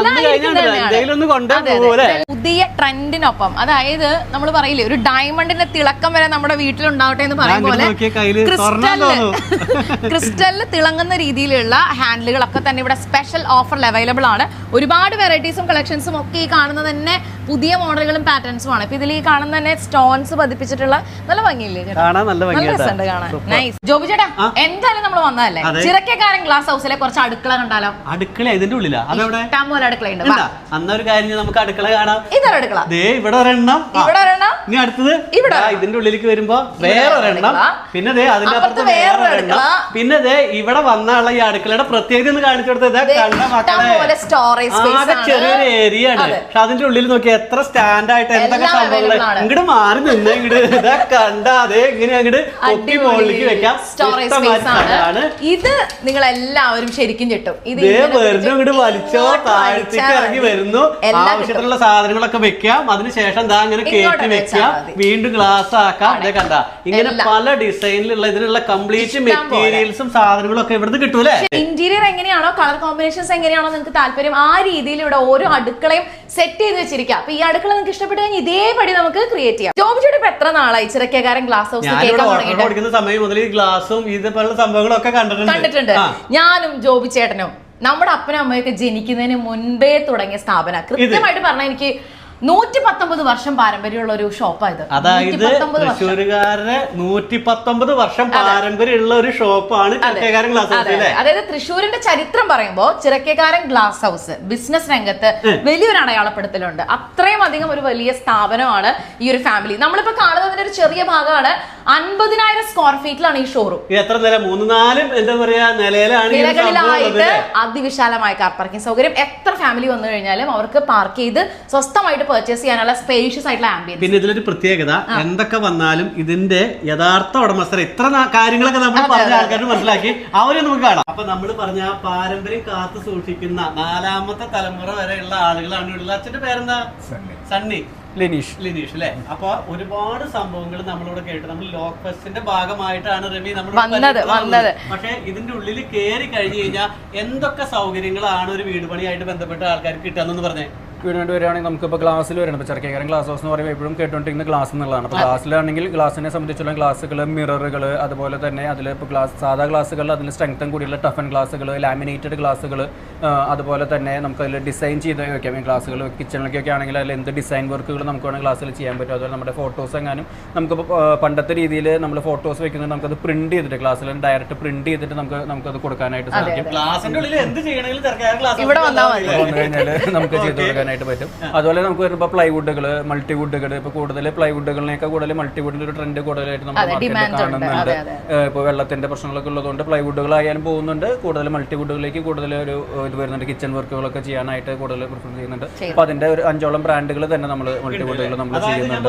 B: ഇതെല്ലാം പുതിയ ട്രെൻഡിനൊപ്പം, അതായത് നമ്മൾ പറയില്ലേ ഒരു ഡയമണ്ടിന്റെ തിളക്കം വരെ നമ്മുടെ വീട്ടിലുണ്ടാവട്ടെ എന്ന് പറയും പോലെ ക്രിസ്റ്റലില് ക്രിസ്റ്റലില് തിളങ്ങുന്ന രീതിയിലുള്ള ഹാൻഡിലുകളൊക്കെ തന്നെ ഇവിടെ സ്പെഷ്യൽ ഓഫറിൽ അവൈലബിൾ ആണ്. ഒരുപാട് വെറൈറ്റീസും കളക്ഷൻസും ഒക്കെ ഈ കാണുന്നത് തന്നെ പുതിയ മോഡലുകളും പാറ്റേൺസും ആണ്. ഇപ്പൊ ഇതിൽ ഈ കാണുന്ന തന്നെ സ്റ്റോൺസ് പതിപ്പിച്ചിട്ടുള്ള നല്ല ഭംഗിയില്ലേ, നല്ല രസമുണ്ട് കാണാൻ. നൈസ്. ജോബി ചേട്ടാ, എന്തായാലും നമ്മൾ വന്നതല്ലേ, ചിറക്കക്കാരൻ ഗ്ലാസ് ഹൗസിലെ കുറച്ച് അടുക്കള കണ്ടാലോ?
A: അടുക്കള ഇതിന്റെ ഉള്ളിലാ?
B: ഇഷ്ടം പോലെ അടുക്കളയുണ്ട്.
A: അന്നൊരു കാര്യം നമുക്ക് അടുക്കള കാണാം.
B: ഇതൊരു അടുക്കള,
A: ഇവിടെ ഒരെണ്ണം,
B: ഇവിടെ ഒരെണ്ണം,
A: ഇനി അടുത്തത് ഇവിടെ ഇതിന്റെ ഉള്ളിലേക്ക് വരുമ്പോ വേറെ ഒരെണ്ണം, പിന്നെ ദേ അതിന്റെ അപ്പുറത്ത് വേറെ ഒരെണ്ണം, പിന്നെ ദേ ഇവിടെ വന്നുള്ള ഈ അടുക്കളയുടെ പ്രത്യേകത ഒന്ന് കാണിച്ചു കൊടുത്തത് കണ്ട മക്കളെ, ആകെ ചെറിയൊരു ഏരിയ ആണ്. പക്ഷെ അതിന്റെ ഉള്ളിൽ നോക്കി എത്ര സ്റ്റാൻഡ് ആയിട്ട് എന്തൊക്കെ സംഭവങ്ങൾ. ഇങ്ങോട്ട് മാറി നിന്ന് ഇങ്ങോട്ട് ഇതാ കണ്ടാ അതെ ഇങ്ങനെ അങ്ങോട്ട് പൊക്കി മുകളിലേക്ക് വെക്കാം.
B: ഇത് നിങ്ങൾ എല്ലാവരും ശരിക്കും ചെട്ടും. ഇത്
A: വെറുതെ ഇങ്ങോട്ട് വലിച്ചോ താഴ്ചക്ക് ഇറങ്ങി വരുന്നു. ആവശ്യത്തിനുള്ള സാധനങ്ങളൊക്കെ വെക്കാം. അതിനുശേഷം എന്താ ഇങ്ങനെ കയറ്റി വെക്കാം, വീണ്ടും ഗ്ലാസ് ആക്കാം. ഇതേ കണ്ട ഇങ്ങനെ പല ഡിസൈനിലുള്ള ഇതിനുള്ള കംപ്ലീറ്റ് മെറ്റീരിയൽസും സാധനങ്ങളും ഒക്കെ ഇവിടുന്ന് കിട്ടൂലേ.
B: ഇന്റീരിയർ എങ്ങനെയാണോ, കളർ കോമ്പിനേഷൻസ് എങ്ങനെയാണോ നിങ്ങൾക്ക് താല്പര്യം, ആ രീതിയിൽ ഇവിടെ ഓരോ അടുക്കളയും സെറ്റ് ചെയ്ത് വെച്ചിരിക്കാം. അപ്പൊ ഈ അടുക്കള നിങ്ങൾക്ക് ഇഷ്ടപ്പെട്ടു കഴിഞ്ഞാൽ ഇതേപടി നമുക്ക് ക്രിയേറ്റ് ചെയ്യാം. ജോബിയുടെ ഇപ്പൊ എത്ര നാളായി ചിറക്കക്കാരൻ ഗ്ലാസ് ഹൗസ്
A: കൊടുക്കുന്ന സമയം മുതൽ ഈ ഗ്ലാസും ഇതുപോലുള്ള സംഭവങ്ങളൊക്കെ കണ്ടിട്ടുണ്ട്
B: കണ്ടിട്ടുണ്ട് ഞാനും ജോബി ചേട്ടനും. നമ്മുടെ അപ്പനും അമ്മയൊക്കെ ജനിക്കുന്നതിന് മുൻപേ തുടങ്ങിയ സ്ഥാപനം. കൃത്യമായിട്ട് പറഞ്ഞാൽ എനിക്ക് നൂറ്റി പത്തൊമ്പത് വർഷം പാരമ്പര്യമുള്ള ഒരു ഷോപ്പായത്.
A: അതായത് തൃശ്ശൂരുകാരുടെ നൂറ്റി പത്തൊമ്പത് വർഷം പാരമ്പര്യമുള്ള ഒരു ഷോപ്പാണ് ചിറക്കക്കാരൻ ഗ്ലാസ് ഹൗസ്.
B: അതായത് തൃശ്ശൂരിന്റെ ചരിത്രം പറയുമ്പോൾ ചിറക്കക്കാരൻ ഗ്ലാസ് ഹൗസ് ബിസിനസ് രംഗത്ത് വലിയൊരു അടയാളപ്പെടുത്തലുണ്ട്. അത്രയും അധികം ഒരു വലിയ സ്ഥാപനമാണ് ഈ ഒരു ഫാമിലി. നമ്മളിപ്പോ കാണുന്നതിന്റെ ഒരു ചെറിയ ഭാഗമാണ്. അൻപതിനായിരം സ്ക്വയർ ഫീറ്റിലാണ് ഈ ഷോറൂം.
A: എത്ര നില? മൂന്ന് നാലും എന്താ പറയാ നിലയിലാണ്.
B: നിലകളിലായിട്ട് അതിവിശാലമായ കാർ പാർക്കിംഗ് സൗകര്യം. എത്ര ഫാമിലി വന്നു കഴിഞ്ഞാലും അവർക്ക് പാർക്ക് ചെയ്ത് സ്വസ്ഥമായിട്ട് പർച്ചേസ് ചെയ്യാനുള്ള സ്പേഷ്യസ് ആയിട്ടുള്ള ആംബിയൻസ്.
A: പിന്നെ ഇതിലൊരു പ്രത്യേകത, എന്തൊക്കെ വന്നാലും ഇതിന്റെ യഥാർത്ഥ ഉടമസ്ഥർ ഇത്ര കാര്യങ്ങളൊക്കെ നമ്മൾ പറഞ്ഞ ആൾക്കാർ മനസ്സിലാക്കി അവരെ നമുക്ക് കാണാം. അപ്പൊ നമ്മൾ പറഞ്ഞ പാരമ്പര്യം കാത്തു സൂക്ഷിക്കുന്ന നാലാമത്തെ തലമുറ വരെയുള്ള ആളുകളാണ് ഇവിടെ. അച്ഛന്റെ പേരെന്താ? സണ്ണി. ലിനീഷ്. ലിനീഷ് അല്ലെ. അപ്പൊ ഒരുപാട് സംഭവങ്ങൾ നമ്മളിവിടെ കേട്ടു. നമ്മൾ ലോക്ക് ഫെസ്റ്റിന്റെ ഭാഗമായിട്ടാണ് റമി നമ്മൾ വന്നത്. പക്ഷെ ഇതിന്റെ ഉള്ളിൽ കയറി കഴിഞ്ഞു കഴിഞ്ഞാൽ എന്തൊക്കെ സൗകര്യങ്ങളാണ് ഒരു വീട് പണിയായിട്ട് ബന്ധപ്പെട്ട ആൾക്കാർക്ക് കിട്ടാന്ന് പറഞ്ഞേ.
F: വീട് വേണ്ടി വരികയാണെങ്കിൽ നമുക്കിപ്പോൾ ഗ്ലാസ്സിൽ വരണം. ഇപ്പോൾ ചിറക്കക്കാരൻ ഗ്ലാസ് ഹൗസ് എന്ന് പറയുമ്പോൾ എപ്പോഴും കേട്ടുകൊണ്ടിരിക്കുന്ന ഗ്ലാസ് എന്നുള്ളതാണ്. അപ്പോൾ ഗ്ലാസ്സിലാണെങ്കിൽ ഗ്ലാസിനെ സംബന്ധിച്ചുള്ള ഗ്ലാസുകൾ, മിററുകൾ, അതുപോലെ തന്നെ അതിൽ ഇപ്പോൾ ഗ്ലാസ് സാധാ ഗ്ലാസുകൾ, അതിൽ സ്ട്രെങ്തൻ കൂടിയുള്ള ടഫൻ ഗ്ലാസുകൾ, ലാമിനേറ്റഡ് ഗ്ലാസുകൾ, അതുപോലെ തന്നെ നമുക്ക് അതിൽ ഡിസൈൻ ചെയ്ത് വയ്ക്കാം. ഈ ഗ്ലാസുകൾ കിച്ചണിലേക്കൊക്കെ ആണെങ്കിൽ അതിൽ എന്ത് ഡിസൈൻ വർക്കുകൾ നമുക്ക് വേണമെങ്കിൽ ഗ്ലാസ്സിൽ ചെയ്യാൻ പറ്റും. അതുപോലെ നമ്മുടെ ഫോട്ടോസ് എങ്ങാനും നമുക്കിപ്പോൾ പണ്ടത്തെ രീതിയിൽ നമ്മൾ ഫോട്ടോസ് വെക്കുന്നത് നമുക്കത് പ്രിന്റ് ചെയ്തിട്ട് ഗ്ലാസ്സിൽ ഡയറക്റ്റ് പ്രിന്റ് ചെയ്തിട്ട് നമുക്ക് നമുക്കത് കൊടുക്കാനായിട്ട് സാധിക്കും.
B: ഇവിടെ വന്നു
F: കഴിഞ്ഞാൽ നമുക്ക് ചെയ്ത് കൊടുക്കാനായിട്ട് പറ്റും. അതുപോലെ നമുക്ക് വരുമ്പോൾ പ്ലൈവുഡുകൾ, മൾട്ടിവുഡുകൾ, ഇപ്പോൾ കൂടുതൽ പ്ലൈവുഡുകളിനേക്കാൾ കൂടുതൽ മൾട്ടിവുഡിന്റെ ഒരു ട്രെൻഡ് കൂടുതലായിട്ട് നമ്മൾ മാർക്കറ്റിൽ കാണുന്നുണ്ട്. ഇപ്പോൾ വെള്ളത്തിന്റെ പ്രശ്നങ്ങളൊക്കെ ഉള്ളതുകൊണ്ട് പ്ലൈവുഡുകളായാലും പോകുന്നുണ്ട്. കൂടുതൽ മൾട്ടിവുഡുകളിലേക്ക് കൂടുതൽ ഒരു ഇത് വരുന്നുണ്ട്. കിച്ചൺ വർക്കുകളൊക്കെ ചെയ്യാനായിട്ട് കൂടുതൽ പ്രിഫർ ചെയ്യുന്നുണ്ട്. അപ്പോൾ അതിന്റെ ഒരു അഞ്ചോളം ബ്രാൻഡുകൾ തന്നെ നമ്മൾ മൾട്ടിവുഡുകൾ നമ്മൾ ചെയ്യുന്നുണ്ട്.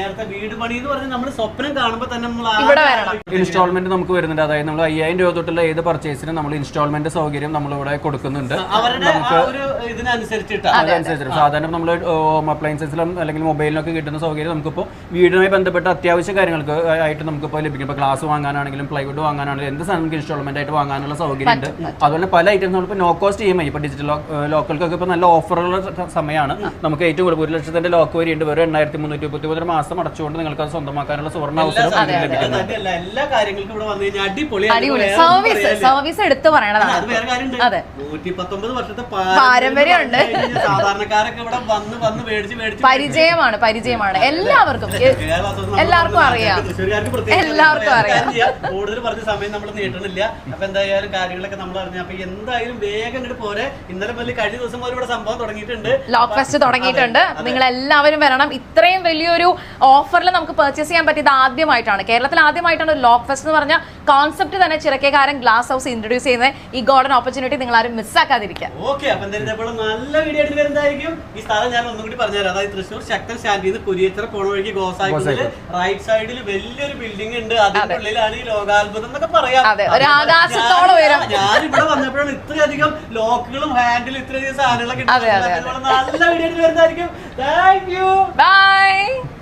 F: ഇൻസ്റ്റാൾമെന്റ് നമുക്ക് വരുന്നുണ്ട്. അതായത് നമ്മൾ അയ്യായിരം രൂപ തൊട്ടുള്ള ഏത് പർച്ചേസിനും നമ്മൾ ഇൻസ്റ്റാൾമെന്റ് സൗകര്യം നമ്മളിവിടെ കൊടുക്കുന്നുണ്ട്. നമുക്ക് അതനുസരിച്ചിട്ട് സാധാരണ നമ്മൾ ഹോം അപ്ലയൻസസിലും അല്ലെങ്കിൽ മൊബൈലിനൊക്കെ കിട്ടുന്ന സൗകര്യം നമുക്കിപ്പോൾ വീടുമായി ബന്ധപ്പെട്ട അത്യാവശ്യ കാര്യങ്ങൾക്ക് ആയിട്ട് നമുക്കിപ്പോൾ ലഭിക്കും. ഇപ്പോൾ ഗ്ലാസ് വാങ്ങാനാണെങ്കിലും പ്ലൈവുഡ് വാങ്ങാനാണെങ്കിലും എന്ത് സാധനം നമുക്ക് ഇൻസ്റ്റാൾമെന്റ് ആയിട്ട് വാങ്ങാനുള്ള സൗകര്യം ഉണ്ട്. അതുപോലെ പല ഐറ്റംസ് നമ്മളിപ്പോൾ no cost E M I ഇപ്പോൾ ഡിജിറ്റൽ ലോക്കൽക്കൊക്കെ ഇപ്പോൾ നല്ല ഓഫറുള്ള സമയമാണ്. നമുക്ക് ഏറ്റവും കൂടുതൽ ഒരു ലക്ഷത്തിന്റെ ലോക്ക് വരെയുണ്ട്. വെറും എണ്ണായിരത്തി മുന്നൂറ്റി മുപ്പത്തി ഒമ്പത് മാസം അടച്ചുകൊണ്ട് നിങ്ങൾക്ക് അത് സ്വന്തമാക്കാനുള്ള സുവർണ്ണ അവസരം ലഭിക്കുന്നുണ്ട്.
A: എല്ലാ കാര്യങ്ങൾക്കും ഇവിടെ വന്നു കഴിഞ്ഞാൽ അടിപൊളി
B: സർവീസ് എടുത്ത് പറയണതാണ്.
A: വർഷത്തെ
B: പാരമ്പര്യമുണ്ട്.
A: സാധാരണക്കാരൊക്കെ ഇവിടെ വന്ന് വന്ന് മേടിച്ച് മേടിച്ച്
B: പരിചയമാണ് പരിചയമാണ് എല്ലാവർക്കും എല്ലാവർക്കും അറിയാം എല്ലാവർക്കും അറിയാം.
A: കൂടുതൽ പറഞ്ഞ സമയം നമ്മൾ നീട്ടണില്ല. അപ്പൊ എന്തായാലും കാര്യങ്ങളൊക്കെ നമ്മൾ അറിഞ്ഞു. അപ്പൊ എന്തായാലും വേഗം ഇങ്ങോട്ട് പോരെ. ഇന്നലെ മുതൽ കഴിഞ്ഞ ദിവസം മുതൽ ഇവിടെ സംഭവം തുടങ്ങിയിട്ടുണ്ട്.
B: ലോക്ക് ഫെസ്റ്റ് തുടങ്ങിയിട്ടുണ്ട്. നിങ്ങൾ എല്ലാവരും വരണം. ഇത്രയും വലിയൊരു ഓഫറിൽ നമുക്ക് പർച്ചേസ് ചെയ്യാൻ പറ്റിയത് ആദ്യമായിട്ടാണ്. കേരളത്തിൽ ആദ്യമായിട്ടാണ് ഒരു ലോക്ക് ഫെസ്റ്റ് എന്ന് പറഞ്ഞ കോൺസെപ്റ്റ് തന്നെ ചിറക്കക്കാരൻ ഗ്ലാസ് ഹൗസ് ഇൻട്രൊഡ്യൂസ് ചെയ്യുന്നത്. ഈ ഗോൾഡൻ ഓപ്പർച്യൂണിറ്റി നിങ്ങൾ ആരും മിസ്സാക്കാതിരിക്കുക.
A: ഓക്കെ, അപ്പൊ എന്തായാലും നല്ല വീഡിയോ ആയിട്ട് വരുന്നതായിരിക്കും. ഈ സ്ഥലം ഞാൻ ഒന്നും കൂടി പറഞ്ഞുതരാം. അതായത് തൃശ്ശൂർ ശക്തൻ സ്റ്റാൻഡിൽ നിന്ന് കുരിയച്ചിറ പോണ വഴിക്ക് ഗോസാക്കിൽ റൈറ്റ് സൈഡിൽ വലിയൊരു ബിൽഡിംഗ് ഉണ്ട്. അതിന്റെ ഉള്ളിലാണ് ഈ ലോകാത്ഭുതം എന്നൊക്കെ പറയാം.
B: ഒരു ആകാശത്തോളം ഉയരം.
A: ഞാൻ ഇവിടെ വന്നപ്പോഴാണ് ഇത്രയധികം ലോക്കുകളും ഹാൻഡിലും ഇത്രയധികം സാധനങ്ങളൊക്കെ നല്ല വീഡിയോ ആയിട്ട് വരുന്നതായിരിക്കും. Thank you.
B: ബൈ.